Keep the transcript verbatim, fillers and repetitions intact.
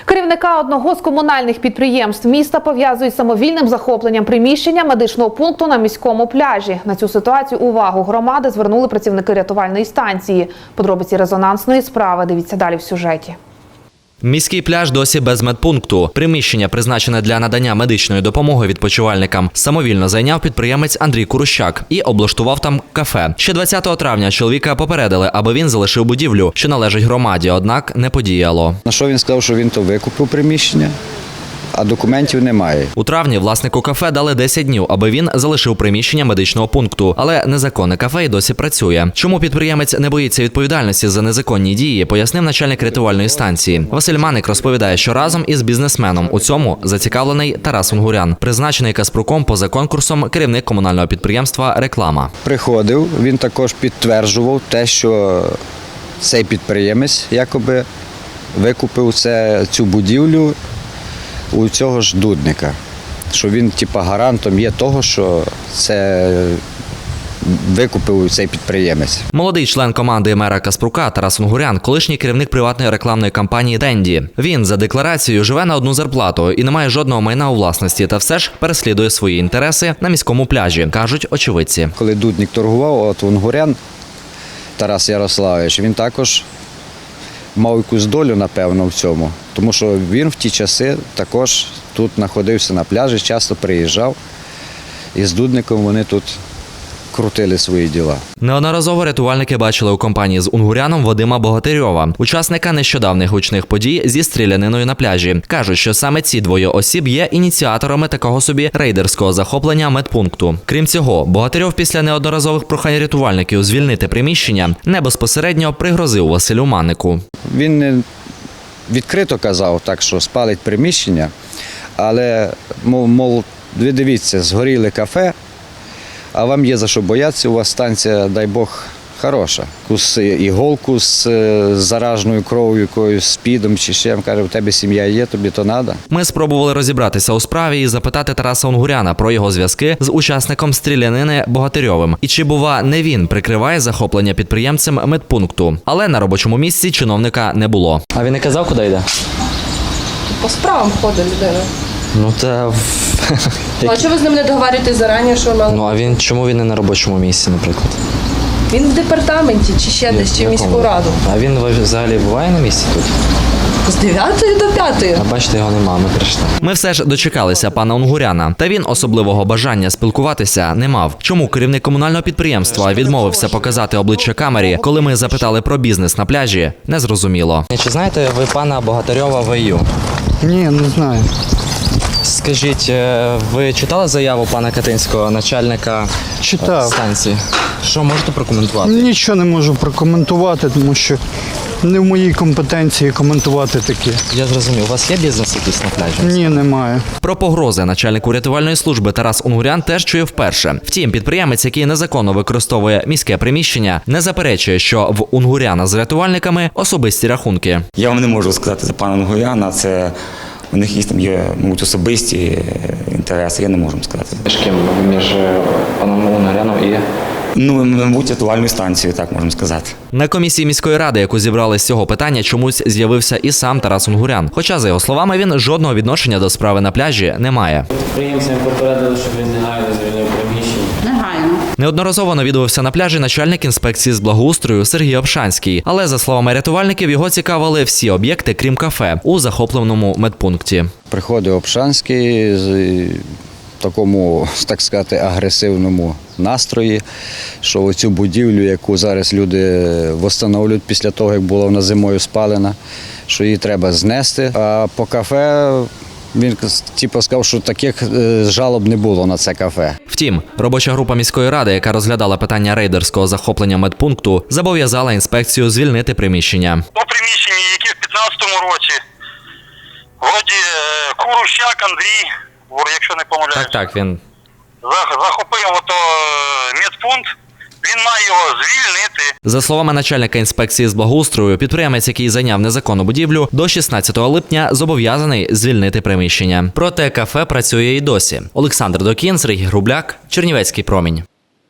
Керівника одного з комунальних підприємств міста пов'язують з самовільним захопленням приміщення медичного пункту на міському пляжі. На цю ситуацію увагу громади звернули працівники рятувальної станції. Подробиці резонансної справи дивіться далі в сюжеті. Міський пляж досі без медпункту. Приміщення, призначене для надання медичної допомоги відпочивальникам, самовільно зайняв підприємець Андрій Курущак і облаштував там кафе. Ще двадцятого травня чоловіка попередили, аби він залишив будівлю, що належить громаді, однак не подіяло. На що він сказав, що він то викупив приміщення, а документів немає. У травні власнику кафе дали десять днів, аби він залишив приміщення медичного пункту. Але незаконне кафе й досі працює. Чому підприємець не боїться відповідальності за незаконні дії, пояснив начальник рятувальної станції. Василь Маник розповідає, що разом із бізнесменом у цьому зацікавлений Тарас Унгурян, призначений Каспруком поза конкурсом керівник комунального підприємства «Реклама». Приходив, він також підтверджував те, що цей підприємець якоби викупив це, цю будівлю у цього ж Дудника, що він типа гарантом є того, що це викупив цей підприємець. Молодий член команди мера Каспрука Тарас Унгурян – колишній керівник приватної рекламної кампанії «Денді». Він за декларацією живе на одну зарплату і не має жодного майна у власності, та все ж переслідує свої інтереси на міському пляжі, кажуть очевидці. Коли Дудник торгував, от Унгурян Тарас Ярославович, він також мав якусь долю, напевно, в цьому. Тому що він в ті часи також тут знаходився на пляжі, часто приїжджав. І з Дудником вони тут крутили свої діла. Неодноразово рятувальники бачили у компанії з Унгуряном Вадима Богатирьова, учасника нещодавних гучних подій зі стріляниною на пляжі. Кажуть, що саме ці двоє осіб є ініціаторами такого собі рейдерського захоплення медпункту. Крім цього, Богатирьов після неодноразових прохань рятувальників звільнити приміщення не безпосередньо пригрозив Василю Манику. Він не відкрито казав так, що спалить приміщення, але, мов, мов ви дивіться, згоріли кафе, а вам є за що боятися, у вас станція, дай Бог, хороша. Якусь іголку з зараженою кров'ю, якоюсь спідом чи ще, каже, у тебе сім'я є, тобі то треба. Ми спробували розібратися у справі і запитати Тараса Унгуряна про його зв'язки з учасником стрілянини Богатирьовим. І чи, бува, не він прикриває захоплення підприємцем медпункту. Але на робочому місці чиновника не було. А він не казав, куди йде? По справам ходить людина. Ну та... Ну, а чого ви з ним не договорюєтесь зарані, що мали? Ну а він, чому він не на робочому місці, наприклад? Він в департаменті, чи ще десь, чи в міську раду. А він взагалі буває на місці тут? З дев'ятої до п'ятої. А бачите, його нема, ми прийшли. Ми все ж дочекалися пана Унгуряна, та він особливого бажання спілкуватися не мав. Чому керівник комунального підприємства відмовився показати обличчя камері, коли ми запитали про бізнес на пляжі, незрозуміло. Чи знаєте ви пана Богатирьова В Ю? Ні, не знаю. Скажіть, ви читали заяву пана Катинського, начальника Читав. станції? Що можете прокоментувати? Нічого не можу прокоментувати, тому що не в моїй компетенції коментувати таке. Я зрозумів, у вас є бізнес якийсь на пляжі? Ні, немає. Про погрози начальнику рятувальної служби Тарас Унгурян теж чує вперше. Втім, підприємець, який незаконно використовує міське приміщення, не заперечує, що в Унгуряна з рятувальниками особисті рахунки. Я вам не можу сказати за пана Унгуряна, це у них є, там є, мабуть, особисті інтереси, я не можу сказати. Між ким? Між паном Унгуряном і... Ну, мабуть, рятувальною станцією, так можемо сказати. На комісії міської ради, яку зібрали з цього питання, чомусь з'явився і сам Тарас Унгурян. Хоча, за його словами, він жодного відношення до справи на пляжі не має. Підприємцям попередили, щоб він негайно звільнив приміщення. Негайно. Неодноразово навідувався на пляжі начальник інспекції з благоустрою Сергій Обшанський. Але, за словами рятувальників, його цікавили всі об'єкти, крім кафе, у захопленому медпункті. Приходив Обшанський з такому, так сказати, агресивному настрої, що оцю будівлю, яку зараз люди встановлюють після того, як була вона зимою спалена, що її треба знести. А по кафе він типу, сказав, що таких жалоб не було на це кафе. Втім, робоча група міської ради, яка розглядала питання рейдерського захоплення медпункту, зобов'язала інспекцію звільнити приміщення. То приміщення, яке в п'ятнадцятому році, вроді Курущак Андрій, якщо не помиляюсь. Так, так, він... Захопив ото медпункт, він має його звільнити. За словами начальника інспекції з благоустрою, підприємець, який зайняв незаконну будівлю, до шістнадцятого липня зобов'язаний звільнити приміщення. Проте кафе працює і досі. Олександр Докін, Сергій Грубляк, Чернівецький промінь.